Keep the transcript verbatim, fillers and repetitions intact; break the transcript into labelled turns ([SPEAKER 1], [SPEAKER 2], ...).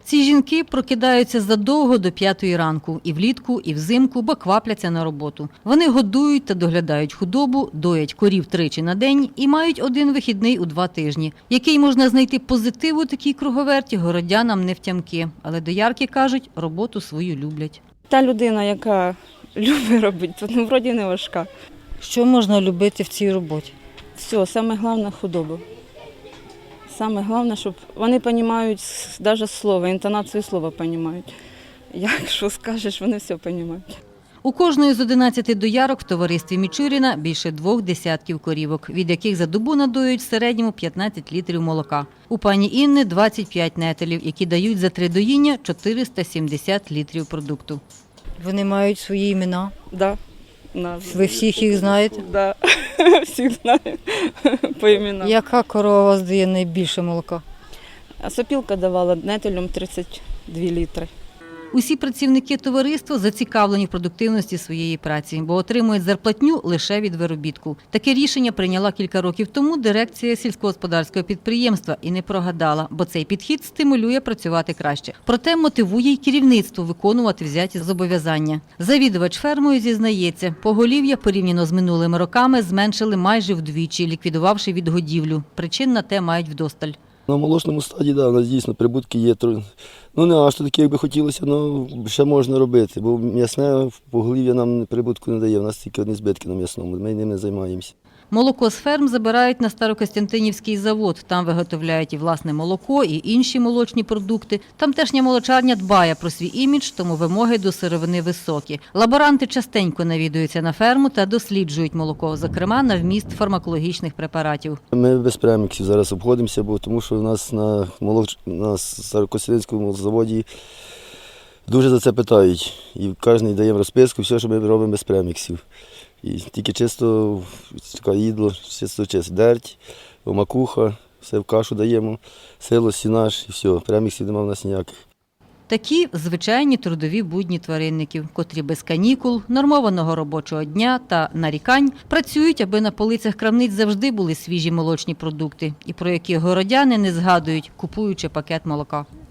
[SPEAKER 1] Ці жінки прокидаються задовго до п'ятої ранку і влітку, і взимку, бо квапляться на роботу. Вони годують та доглядають худобу, доять корів тричі на день і мають один вихідний у два тижні. Який можна знайти позитив у такій круговерті, городянам не втямки. Але доярки кажуть, роботу свою люблять.
[SPEAKER 2] Та людина, яка любить робити, то ну, вроді не важка.
[SPEAKER 1] Що можна любити в цій роботі?
[SPEAKER 2] Все, саме головне – худобу. Саме головне, щоб вони розуміють навіть слово, інтонацію слова розуміють. Якщо скажеш, вони все розуміють.
[SPEAKER 1] У кожної з одинадцяти доярок в товаристві Мічуріна більше двох десятків корівок, від яких за добу надоюють в середньому п'ятнадцять літрів молока. У пані Інни двадцять п'ять нетелів, які дають за три доїння чотириста сімдесят літрів продукту.
[SPEAKER 3] Вони мають свої імена.
[SPEAKER 2] Да.
[SPEAKER 3] Ви всіх їх знаєте?
[SPEAKER 2] Да. Всіх знаю по іменам.
[SPEAKER 3] Яка корова у вас дає найбільше молока?
[SPEAKER 2] А сопілка давала нетелям тридцять дві літри.
[SPEAKER 1] Усі працівники товариства зацікавлені в продуктивності своєї праці, бо отримують зарплатню лише від виробітку. Таке рішення прийняла кілька років тому дирекція сільськогосподарського підприємства і не прогадала, бо цей підхід стимулює працювати краще. Проте мотивує й керівництво виконувати взяті зобов'язання. Завідувач фермою зізнається, поголів'я порівняно з минулими роками зменшили майже вдвічі, ліквідувавши відгодівлю. Причин на те мають вдосталь.
[SPEAKER 4] На молочному стаді, да, у нас дійсно прибутки є. Ну не аж такі, як би хотілося, але ще можна робити, бо м'ясне поголів'я нам прибутку не дає, у нас тільки одні збитки на м'ясному, ми ним не займаємося.
[SPEAKER 1] Молоко з ферм забирають на Старокостянтинівський завод. Там виготовляють і власне молоко, і інші молочні продукти. Тамтешня молочарня дбає про свій імідж, тому вимоги до сировини високі. Лаборанти частенько навідуються на ферму та досліджують молоко, зокрема на вміст фармакологічних препаратів.
[SPEAKER 4] Ми без преміксів зараз обходимося, бо тому що у нас на, молоч... на Старокостянтинському заводі дуже за це питають. І кожен дає розписку, все, що ми робимо без преміксів. І тільки чисто їдло, чисто чисто дерть, макуха, все в кашу даємо, село, сінаж і все, преміксів немає в нас ніяких.
[SPEAKER 1] Такі звичайні трудові будні тваринників, котрі без канікул, нормованого робочого дня та нарікань працюють, аби на полицях крамниць завжди були свіжі молочні продукти, і про які городяни не згадують, купуючи пакет молока.